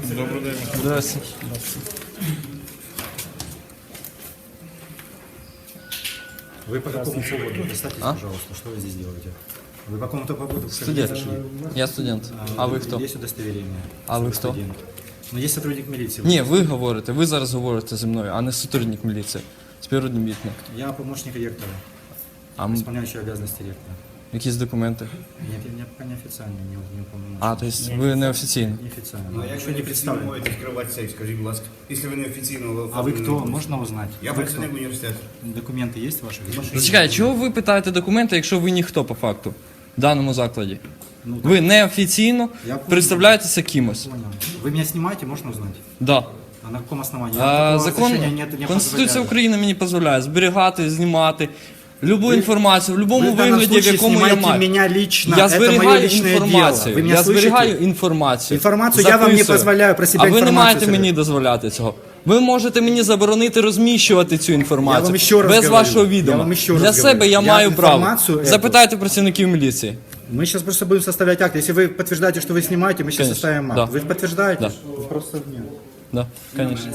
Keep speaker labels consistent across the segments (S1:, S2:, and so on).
S1: Добрий день.
S2: Здравствуйте.
S3: Вы по какому поводу? Представьтесь, пожалуйста, что вы здесь делаете? Вы по какому-то поводу
S2: Студент. Я студент. А ви хто?
S3: Есть удостоверение.
S2: А ви хто?
S3: Студент. Ну, есть сотрудник милиции.
S2: Ні, ви говорите, ви зараз говорите зі мною, а не сотрудник міліції. Співробітник.
S3: Я помощник ректора,
S2: А
S3: исполняющий обязанности ректора.
S2: якісь документи?
S3: Нет, я пока неофициально, не уполномочен.
S2: А, тобто ви не офіційно.
S3: Неофициально.
S4: Ну,
S3: Еще
S4: якщо
S3: не
S4: не
S3: представлен.
S4: можете скривати сейф, скажіть, будь ласка, якщо ви не офіційно...
S3: А вы кто? Можно узнать?
S4: Я
S3: Вы
S4: працівник
S3: кто?
S4: університету.
S3: Документы есть ваши?
S2: Зачекайте, чого ви питаєте документи, якщо ви ніхто по факту в даному закладі?
S3: Ну,
S2: Ви неофіційно
S3: Я понял.
S2: представляєтеся кимось.
S3: Понял. Вы меня снимаете, можно узнать?
S2: Да.
S3: А на каком основании? Такого
S2: Закон,
S3: разрешения не
S2: Конституція
S3: позволяю.
S2: України мені дозволяє зберігати, знімати любу інформацію, в будь-якому
S3: Вы в данном
S2: вигляді, в
S3: случае
S2: якому я
S3: снимаете
S2: маю.
S3: меня лично,
S2: Я
S3: это мое
S2: зберігаю
S3: личное дело.
S2: інформацію.
S3: Вы меня
S2: Я
S3: слышите?
S2: зберігаю інформацію.
S3: Інформацію я вам не
S2: Записую.
S3: дозволяю про себе
S2: А ви не
S3: інформацію
S2: маєте
S3: собирати.
S2: мені дозволяти цього. Ви можете мені заборонити розміщувати цю інформацію
S3: Я вам ще раз
S2: без
S3: говорю.
S2: вашого
S3: Я
S2: відома.
S3: вам ще раз
S2: Для себе
S3: говорю.
S2: я
S3: Я
S2: маю право.
S3: інформацію эту-
S2: Запитайте працівників міліції.
S3: Мы сейчас просто будем составлять акт. Если вы подтверждаете, что вы снимаете, мы сейчас
S2: Конечно,
S3: составим акт.
S2: да.
S3: Вы подтверждаете?
S2: Да.
S3: Просто нет.
S2: Да, конечно.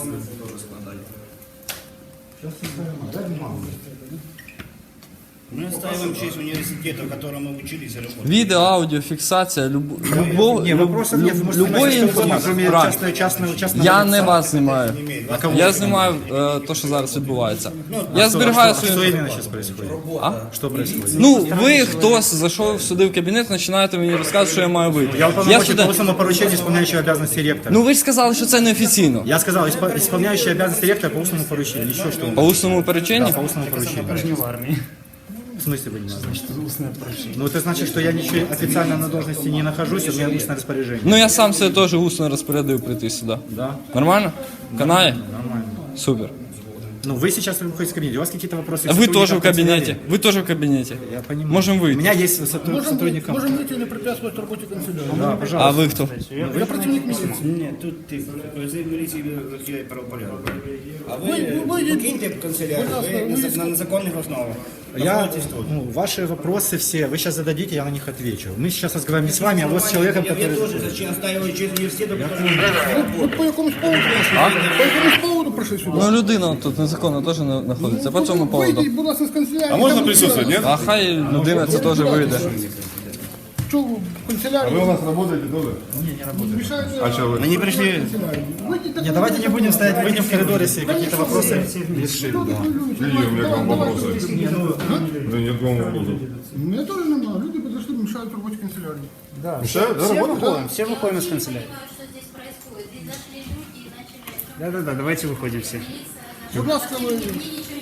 S4: Мы отстаиваем честь университета, в котором мы учились и работали.
S2: Відео, аудіо, фіксація, любого,
S3: Не, вопросов нет. Вы можете
S2: любої
S3: снимать что угодно,
S2: інформації.
S3: кроме
S2: Правильно.
S3: частного
S2: Я
S3: лица.
S2: не вас знімаю. Я знімаю те, що зараз відбувається. Я зберігаю
S3: Что
S2: свою.
S3: именно сейчас происходит?
S2: А?
S3: Что происходит?
S2: Ну, ви хтось зайшов сюди в кабінет, починаєте мені розказувати, що я маю вийти.
S3: Я уполномочен по
S2: студент.
S3: устному поручению, исполняющего обязанности ректора.
S2: Ну ви ж сказали, що це неофіційно.
S3: Я сказал, исполняющий обязанности ректора по устному поручению. Еще что?
S2: По усному переченню?
S3: По устному поручению. В смысле вы не знаете? Ну это значит, что я ничего официально на должности не нахожусь, у меня устное распоряжение.
S2: Ну я сам себе теж усно розпорядив прийти сюди.
S3: Да?
S2: Нормально? Канає?
S3: Нормально.
S2: Супер.
S3: Ну вы сейчас выходите из кабинета, у вас какие-то вопросы?
S2: А
S3: к
S2: вы тоже в
S3: сотрудникам
S2: кабинете.
S3: канцелярии?
S2: Вы тоже в кабинете.
S3: Я понимаю.
S2: Можем
S3: У
S2: выйти.
S3: меня есть сотрудник.
S5: Можем выйти и не препятствовать работе канцелярии.
S3: Да, пожалуйста.
S2: А ви хто?
S5: Я працівник міліції.
S4: Ні, тут ти, президент міліції захищає правопорядок. А ви
S5: ви-
S4: покиньте канцелярію, ви на незаконних основах.
S3: Я,
S4: Знаходитесь тут.
S3: ну, ваши вопросы все, вы сейчас зададите, я на них отвечу. Мы сейчас разговариваем не с вами, а вот с человеком,
S4: Я
S3: который...
S4: теж зачем отстаиваю честь університету, тому
S5: Ви по якомусь поводу прийшли? По якомусь поводу прийшли сюди?
S2: Ну людина тут незаконно теж знаходиться. По цьому поводу.
S5: Вийдіть, будь ласка, з канцелярії.
S1: А можна
S5: Там
S1: присутствовать, нет?
S2: А хай людина це теж вийде.
S5: Що ви в канцелярії?
S1: Вы у нас работаете тоже?
S5: Мішаєте
S1: А что вы?
S4: Ми не прийшли.
S5: канцелярії. Вийдіть, так
S3: Нет, давайте не будем стоять, выйдем в коридор, если какие-то вопросы решим. Да.
S1: Какие у меня к вам вопросы? Да нет к вам вопросов.
S5: У мене теж немає. Люди підійшли, мішають роботі канцелярії.
S1: Мешают, да, работать?
S6: Все выходим из канцелярии. Что здесь происходит? Здесь зашли люди и начали...
S7: Да-да-да, давайте выходим все.
S5: Будь ласка, ви...
S6: Мне ничего не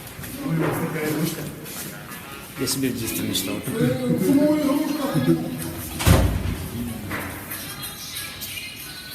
S6: сказали.
S7: Я себе в детстве мечтал.
S5: Гумова ігрушка.